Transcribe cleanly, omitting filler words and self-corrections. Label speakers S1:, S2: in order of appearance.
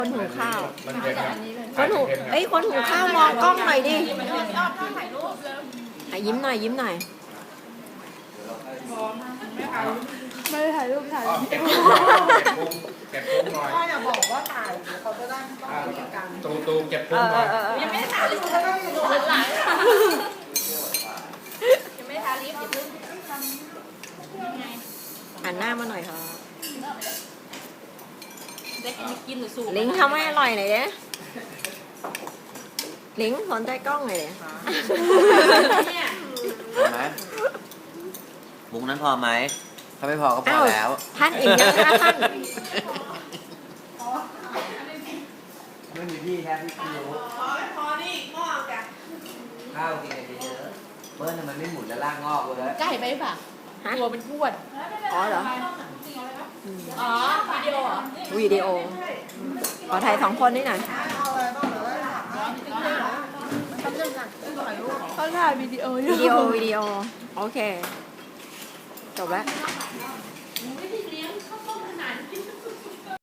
S1: คนหุงข้าว
S2: มันเป็นครับ
S1: คนหุงคนหุงข้าวมองกล้องหน่อยดิยิ้มหน่อยยิ้มหน่อยไม่ได้ถ่ายรูปถ่าย
S2: เก็บพุงหน่อย
S3: พ่ออย่าบอกว่าถ่ายเดี๋ยวเขาจะได้ไม่ต้องคุยกัน
S2: ตูเก็บพุงหน่อย
S4: ยังไม่ได้ทาลิปเลยดูหลังยังไม่ได้ทาลิปอย่าเพิ่ง
S1: หันหน้ามาหน่อยค่ะ
S4: ได้กินหรือสูบ
S1: ลิงทำให้อร่อยหน่อยเด้ลิงสนใจกล้องหน่อยเด้
S4: เนี่ย
S5: พอไหมมุกนั้นพอไหมถ้าไม่พอก็พอแล้ว
S1: ท่านอิ่มยังคะท่าน
S5: ไม่มีพี่แค่พี่รู้
S3: พอนี่งอกจ้ะ
S5: ข้าวกินกันเยอะๆเปิ้ลทำไมไม่หมุนแล้วลากงอกเลย
S4: ใกล้ไปป่ะ
S1: ฮะ
S4: ตัวเป็นพวด
S1: อ๋อเหรอ
S4: อ๋อวิดีโอเหรอ
S1: วิดีโอขอถ่าย2 คนนี่หน่อย
S3: เอาอะไรบ้างเดี๋ยวได้ถาม
S4: เขาถ่ายวิดีโออยู่
S1: วิดีโอโอเคจบแล้ว